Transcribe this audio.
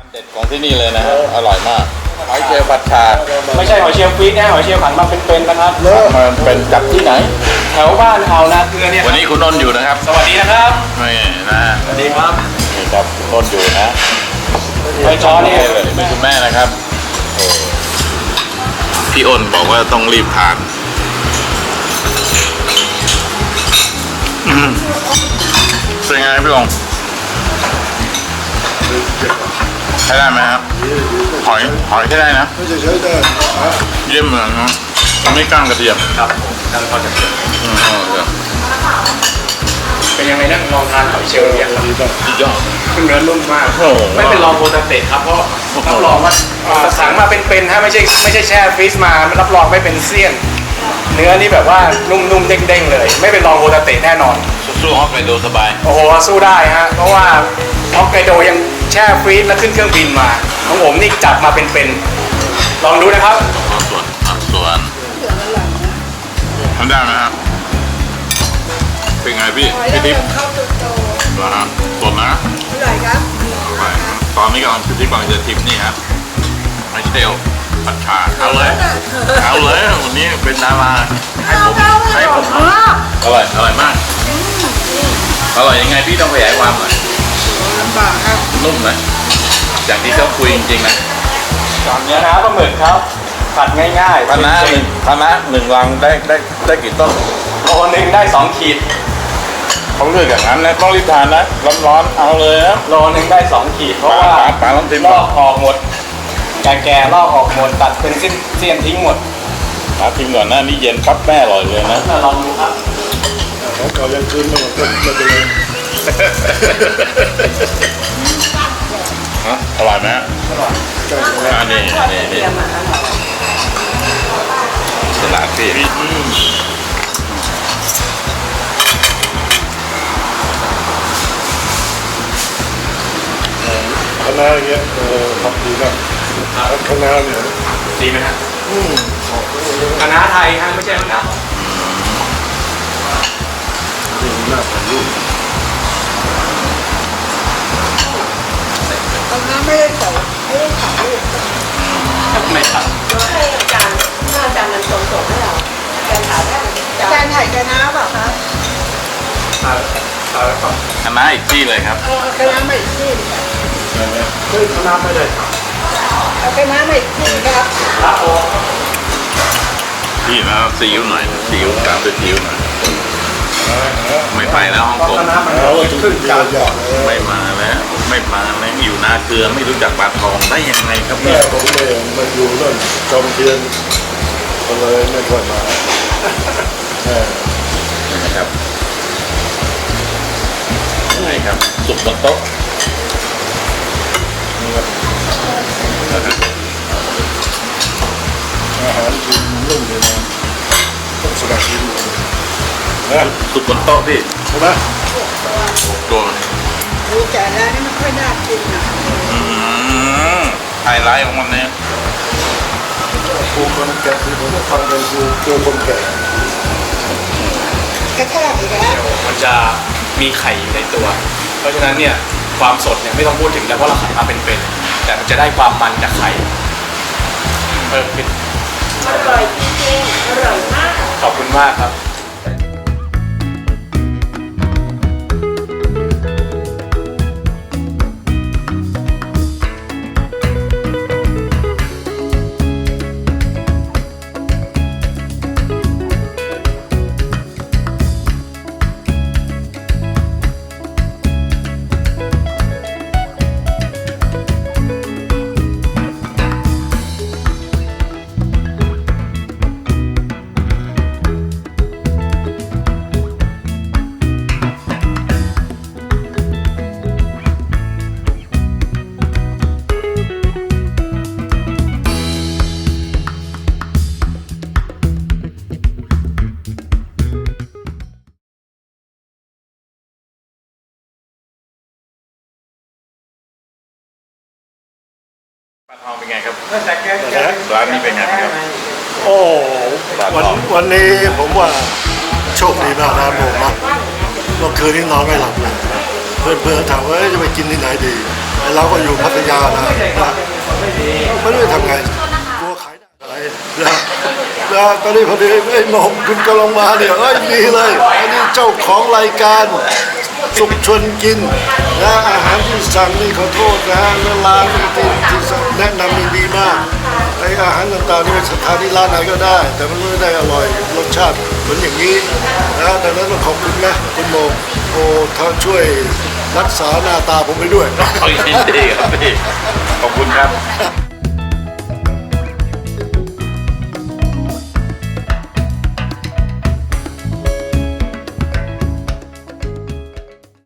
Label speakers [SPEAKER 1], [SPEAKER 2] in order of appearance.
[SPEAKER 1] เด็ดของที่นี่เลยนะฮะอร่อยมากหอยเชลล์ผัดชา
[SPEAKER 2] ไม่ใช่หอยเชลล์ฟรีซนะหอยเชลล์ผัดมาเป็นๆนะครับ
[SPEAKER 1] มันเป็นจากที่ไหน
[SPEAKER 2] แถวบ้านอ่าวนาเกลือเนี่ย
[SPEAKER 1] วันนี้คุณนนท์อยู่นะครับ
[SPEAKER 2] สวัสดีนะครับ
[SPEAKER 1] นี่นะ
[SPEAKER 2] สวัสดีครับ
[SPEAKER 1] นี่ครับคุณนนท์อยู่นะ
[SPEAKER 2] หอยจ้อนี่
[SPEAKER 1] เลยเป็นคุณแม่นะครับโอ้พี่อ้นบอกว่าต้องรีบทานเป็นไงพี่องใช้ได้ไหมครับหอยใช้ได้นะ
[SPEAKER 3] ไม่ใช่ใช้ได้ฮะ
[SPEAKER 1] เยี่ยมเลยนะไม่กล้างกระเทียม
[SPEAKER 2] ครับการทอดกระเทียม
[SPEAKER 1] เดี๋ยว
[SPEAKER 2] เป็นยังไงนั่งลองทานหอยเชลล์เนี่ยครับ
[SPEAKER 3] ดีมาก
[SPEAKER 1] สุดยอด
[SPEAKER 2] เนื้อนุ่มมาก
[SPEAKER 1] โอ้โห
[SPEAKER 2] ไม่เป็นรองโปรตเตครับเพราะรับรองว่าสั่งมาเป็นๆฮะไม่ใช่แช่ฟรีซมารับรองไม่เป็นเสี้ยน เนื้อนี่แบบว่านุ่มๆเด้งๆเลย ไม่เป็นรองโปรตแน่นอน
[SPEAKER 1] สู้ฮอกไกโดสบาย
[SPEAKER 2] โอ้โหสู้ได้ฮะเพราะว่าฮอกไกโดยังแช่ฟรีซแล้วขึ้นเครื่องบินมาของผมนี่จับมาเป็นๆลองดูนะครับ
[SPEAKER 1] ส่วนทำได้ไหมครับเป็นไงพี่พี่ทิพย์
[SPEAKER 4] ข้าวตุโต
[SPEAKER 1] นะฮะสดนะ
[SPEAKER 4] อร่อยครับ
[SPEAKER 1] ไปตอนนี้กำลังพี่ทิพย์กำลังจะทิมนี่ครับไมเชลผัดชาเอาเลยวันนี้เป็นดาราให้ผมอร่อยมากอร่อยยังไงพี่ต้องขยายความหน่อย
[SPEAKER 4] ลำบากครับ
[SPEAKER 1] นุ่มนะอย่างที่เขาคุยจริงๆนะ
[SPEAKER 2] เนื้อน้ำปลาหมึกครับผัดง่ายๆ
[SPEAKER 1] คณะหนึ่งรังได้กี่ต้น
[SPEAKER 2] โลนึงได้2 ขีด
[SPEAKER 1] เขาเลือกอย่างนั้นนะต้องรีบทานนะร้อนๆเอาเลยนะ
[SPEAKER 2] โลนึงได้2 ขีดเพราะว่า
[SPEAKER 1] ปลาลองทิม
[SPEAKER 2] ล
[SPEAKER 1] ก่
[SPEAKER 2] อ
[SPEAKER 1] อน
[SPEAKER 2] กออกหมดแก่ๆลอกออกหมดตัดเป็นเส้นทิ้งหมด
[SPEAKER 1] ปลาทิมก่อนนะนี่เย็นปั๊บแม่อร่อยเลยนะ
[SPEAKER 2] ลองดูครับ
[SPEAKER 3] ของเก่ายังคืนไม่หมดก็ไม่เป็นไร
[SPEAKER 1] ฮะอร่อยไหมฮะ
[SPEAKER 3] ใกล้ถึงแล้ว
[SPEAKER 1] อันนี้ตลาดพี่
[SPEAKER 3] คณะอย่างเงี้ยทำดีมากคณะเนี่ย
[SPEAKER 2] ดีไหมฮะคณะไทยฮะไม่ใช่คณะ
[SPEAKER 3] ดีมากถ่ายรูป
[SPEAKER 4] ตอนนั้นไม่ได้ใส่ไม่ได้ถ่ายรูป
[SPEAKER 2] ไม่ครับ
[SPEAKER 5] ให้อาจารย์ถ้าอาจารย์มันส่งให้เราอาจารย์ถามได้อาจารย์
[SPEAKER 4] การถ่ายคณะเปล่าคะ
[SPEAKER 1] คณะอีกที่เลยครับ
[SPEAKER 4] เอาคณะมาอีกที่หนึ่งครับ
[SPEAKER 3] เฮ้ยคณะไม่ได้
[SPEAKER 4] เอาคณะมาอีกที่ครับ
[SPEAKER 2] ครับผม
[SPEAKER 1] พี่นะซีอิ๊วหน่อยซีอิ๊วตามด้วยซีอิ๊วหน่อยไม่ไปแล้วฮ่องกง
[SPEAKER 3] เอาถึงยาวๆเลย
[SPEAKER 1] ไม่มาแล้วอยู่นาเกลือไม่รู้จักปลาทองได้ยังไงครับ
[SPEAKER 3] แม่
[SPEAKER 1] เนี่ย
[SPEAKER 3] ผมเองมาอยู่นั่นจอมเทียนก็เลยไม่ค่อยมา
[SPEAKER 1] นี่นะครับนี่ครับสุกบนโต๊ะ
[SPEAKER 3] อาหารกินนุ่มเลยนะต้องสบายกินนะ
[SPEAKER 1] สุกบนโต๊ะพี่
[SPEAKER 3] ใช่ไหม
[SPEAKER 1] ตัวนี้
[SPEAKER 4] ดูแต่แล้วนี่ไม่ค่อยน่ากินนะ
[SPEAKER 1] ไฮไลท์ของมันเนี่ย
[SPEAKER 3] ครูคนแก่ที่ผมฟังเป็นครูคนแก่
[SPEAKER 4] กระแทกอีกแล้ว
[SPEAKER 2] มันจะมีไข่อยู่ในตัว เพราะฉะนั้นเนี่ยความสดเนี่ยไม่ต้องพูดถึงแล้วเพราะเราขายมาเป็นๆแต่มันจะได้ความมันจากไข่เพิ่มขึ้น
[SPEAKER 5] อร่อยจริงๆอร่อยมาก
[SPEAKER 2] ขอบคุณมากครับ
[SPEAKER 1] ปลาทองเป็นไงครับ
[SPEAKER 2] แต่แก
[SPEAKER 1] ร้านนี้เป็นไงครับ
[SPEAKER 3] โอ้วันนี้ผมว่าโชคดีมากนะผมนะเมื่อคืนนี้นอนไม่หลับเลยเพื่อนๆถามว่าจะไปกินที่ไหนดีเราก็อยู่พัทยานะนะตอนนี้พอดีไอ้หนมคุณกำลังมาเนี่ยเอ้ยดีเลยอันนี้เจ้าของรายการสุขชวนกินนะอาหารที่สั่งนี่ขอโทษนะแล้วร้านที่แนะนำนี่ดีมากไออาหารต่างๆนี่สถานที่ร้านไหนก็ได้ แต่มันไม่ได้อร่อยรสชาติเหมือนอย่างนี้นะดังนั้นต้องขอบคุณนะคุณโมโอ้ท่านช่วยรักษาหน้าตาผมไปด้วย
[SPEAKER 1] ยินดีครับพี่ขอบคุณครับ